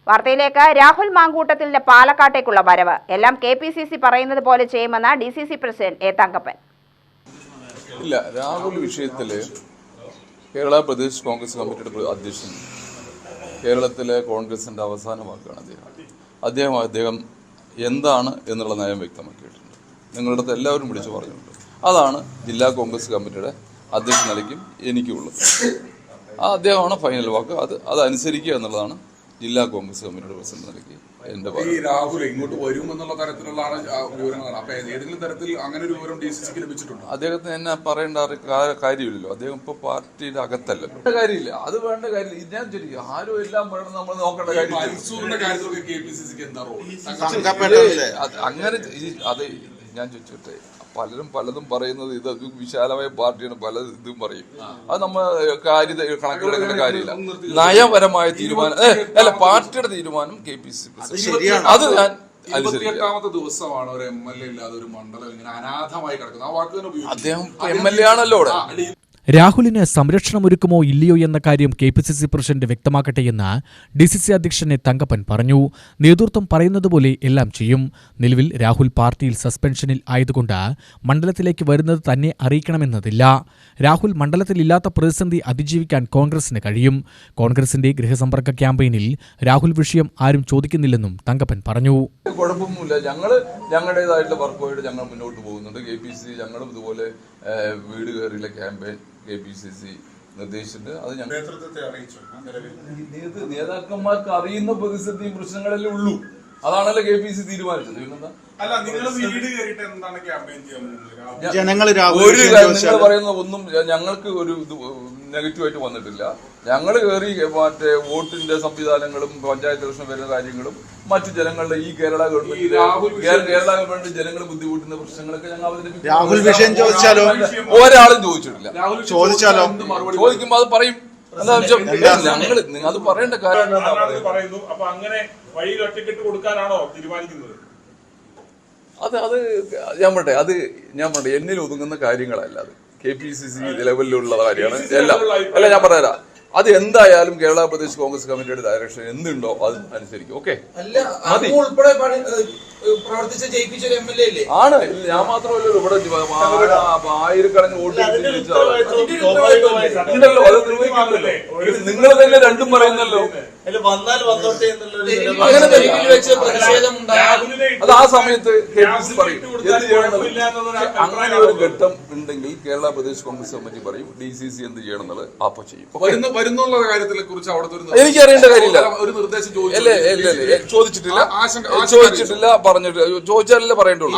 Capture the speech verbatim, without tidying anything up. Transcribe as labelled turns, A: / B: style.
A: വാർത്തയിലേക്ക്. രാഹുൽ മാങ്കൂട്ടത്തിന്റെ പാലക്കാട്ടേക്കുള്ള വരവ് എല്ലാം കെ പി സി സി പറയുന്നത് പോലെ ചെയ്യുമെന്ന് D C C president A Thankappan.
B: ഇല്ല, രാഹുൽ വിഷയത്തിൽ കേരള പ്രദേശ് കോൺഗ്രസ് കമ്മിറ്റിയുടെ അധ്യക്ഷൻ കേരളത്തിലെ കോൺഗ്രസിന്റെ അവസാന വാക്കാണ് അദ്ദേഹം. അദ്ദേഹം അദ്ദേഹം എന്താണ് എന്നുള്ള നയം വ്യക്തമാക്കിയിട്ടുണ്ട്. നിങ്ങളുടെ അടുത്ത് എല്ലാവരും വിളിച്ചു പറഞ്ഞിട്ടുണ്ട്. അതാണ് ജില്ലാ കോൺഗ്രസ് കമ്മിറ്റിയുടെ അധ്യക്ഷ നിലയ്ക്കും എനിക്കുള്ളത്. ആ അദ്ദേഹമാണ് ഫൈനൽ വാക്ക്. അത് അതനുസരിക്കുക എന്നുള്ളതാണ് ജില്ലാ കോൺഗ്രസ് കമ്മിറ്റിയുടെ പ്രസിഡന്റ് നിലയ്ക്ക് എന്റെ
C: ഈ രാഹുൽ ഇങ്ങോട്ട് വരുമെന്നുള്ള തരത്തിലുള്ള വിവരങ്ങളാണ്. അപ്പൊ ഏതെങ്കിലും തരത്തിൽ അങ്ങനെ ഒരു വിവരം ഡി സി സിക്ക് ലഭിച്ചിട്ടുണ്ട്?
B: അദ്ദേഹത്തിന് എന്നെ പറയേണ്ട കാര്യമില്ലല്ലോ. അദ്ദേഹം ഇപ്പൊ പാർട്ടിയുടെ അകത്തല്ലല്ലോ. കാര്യമില്ല, അത് വേണ്ട കാര്യമില്ല. ഞാൻ ചോദിക്കും, ആരും എല്ലാം വേണം നമ്മൾ നോക്കേണ്ട കാര്യം.
C: മൻസൂറിന്റെ കാര്യത്തിലൊക്കെ കെ പി സി സിക്ക് എന്താ റോൾ?
B: അങ്ങനെ അത് ഞാൻ ചോദിച്ചോട്ടെ, പലരും പലതും പറയുന്നത് ഇത് വിശാലമായ പാർട്ടിയാണ്, പല ഇതും പറയും. അത് നമ്മൾ കാര്യ കണക്കിലെടുക്കേണ്ട കാര്യമില്ല. നയപരമായ തീരുമാനം അല്ല, പാർട്ടിയുടെ തീരുമാനം കെ പി സി അത് ഞാൻ
C: ഇരുപത്തിയെട്ടാമത്തെ ദിവസമാണ് ഒരു എം എൽ എ ഇല്ലാതെ ഒരു മണ്ഡലം ഇങ്ങനെ അനാഥമായി കിടക്കുന്നത്. ആ വാക്ക് തന്നെ
B: അദ്ദേഹം എം എൽ എ ആണല്ലോ.
D: രാഹുലിന് സംരക്ഷണമൊരുക്കുമോ ഇല്ലയോ എന്ന കാര്യം K P C C president വ്യക്തമാക്കട്ടെയെന്ന് ഡി സി സി അധ്യക്ഷൻ തങ്കപ്പൻ പറഞ്ഞു. നേതൃത്വം പറയുന്നതുപോലെ എല്ലാം ചെയ്യും. നിലവിൽ രാഹുൽ പാർട്ടിയിൽ സസ്പെൻഷനിൽ ആയതുകൊണ്ട് മണ്ഡലത്തിലേക്ക് വരുന്നത് തന്നെ അറിയിക്കണമെന്നതില്ല. രാഹുൽ മണ്ഡലത്തിലില്ലാത്ത പ്രതിസന്ധി അതിജീവിക്കാൻ കോൺഗ്രസിന് കഴിയും. കോൺഗ്രസിന്റെ ഗൃഹസമ്പർക്ക ക്യാമ്പയിനിൽ രാഹുൽ വിഷയം ആരും ചോദിക്കുന്നില്ലെന്നും തങ്കപ്പൻ പറഞ്ഞു.
B: കുഴപ്പമൊന്നുമില്ല, ഞങ്ങള് ഞങ്ങളുടേതായിട്ടുള്ള വർക്കുമായിട്ട് ഞങ്ങൾ മുന്നോട്ട് പോകുന്നുണ്ട്. കെ പി സി സി ഞങ്ങളും ഇതുപോലെ വീട് കയറിയുള്ള campaign K P C C നിർദ്ദേശിച്ചിട്ട് അത് ഞങ്ങൾ നേതാക്കന്മാർക്ക് അറിയുന്ന പ്രതിസന്ധിയും പ്രശ്നങ്ങളല്ലേ ഉള്ളൂ. അതാണല്ലോ കെ പി സി തീരുമാനിച്ചത്. പിന്നെന്താ ഒരു നിങ്ങൾ പറയുന്ന ഒന്നും ഞങ്ങൾക്ക് ഒരു നെഗറ്റീവായിട്ട് വന്നിട്ടില്ല. ഞങ്ങൾ കയറി മറ്റേ വോട്ടിന്റെ സംവിധാനങ്ങളും പഞ്ചായത്ത് ഇലക്ഷൻ വരുന്ന കാര്യങ്ങളും മറ്റു ജനങ്ങളുടെ ഈ കേരള ഗവൺമെന്റ് കേരള ഗവൺമെന്റ് ജനങ്ങൾ ബുദ്ധിമുട്ടുന്ന പ്രശ്നങ്ങളൊക്കെ ഞങ്ങൾ അവതരിപ്പിക്കും.
E: രാഹുൽ വിഷയം ചോദിച്ചാലോ?
B: ഒരാളും ചോദിച്ചിട്ടില്ല.
E: ചോദിച്ചാലോ?
B: ചോദിക്കുമ്പോ അത് പറയും. ഞങ്ങൾ അത് പറയേണ്ട കാര്യം അത് അത് ഞാൻ പറട്ടെ അത് ഞാൻ പറട്ടെ എന്നിൽ ഒതുങ്ങുന്ന കാര്യങ്ങളല്ല. അത് കെ പി സി സി ലെവലിലുള്ള കാര്യമാണ് എല്ലാം. അല്ല, ഞാൻ പറഞ്ഞുതരാം. അത് എന്തായാലും കേരള പ്രദേശ് കോൺഗ്രസ് കമ്മിറ്റിയുടെ ഡയറക്ഷൻ എന്തുണ്ടോ അത് അനുസരിക്കും. ഓക്കെ, ആണ്. ഞാൻ മാത്രമല്ലല്ലോ ഇവിടെ ആയിരക്കണക്കിന് വോട്ട് ഉണ്ടല്ലോ. അത് നിർവഹിക്കുന്നുണ്ടല്ലോ. നിങ്ങൾ തന്നെ രണ്ടും പറയുന്നല്ലോ. അത് ആ സമയത്ത് കെ പി സി പറയും എന്ത് ചെയ്യണം. അങ്ങനെ ഒരു ഘട്ടം ഉണ്ടെങ്കിൽ കേരള പ്രദേശ് കോൺഗ്രസ് കമ്മിറ്റി പറയും ഡി സി സി എന്ത് ചെയ്യണം എന്നുള്ളത് അപ്പൊ ചെയ്യും.
C: വരുന്നുള്ള കാര്യത്തിനെ കുറിച്ച് അവിടുത്തെ
B: എനിക്ക് അറിയേണ്ട കാര്യമില്ല.
C: ഒരു നിർദ്ദേശം
B: ചോദിച്ചിട്ടില്ല ചോദിച്ചിട്ടില്ല പറഞ്ഞിട്ട് ചോദിച്ചാലല്ലേ പറയേണ്ടുള്ളൂ.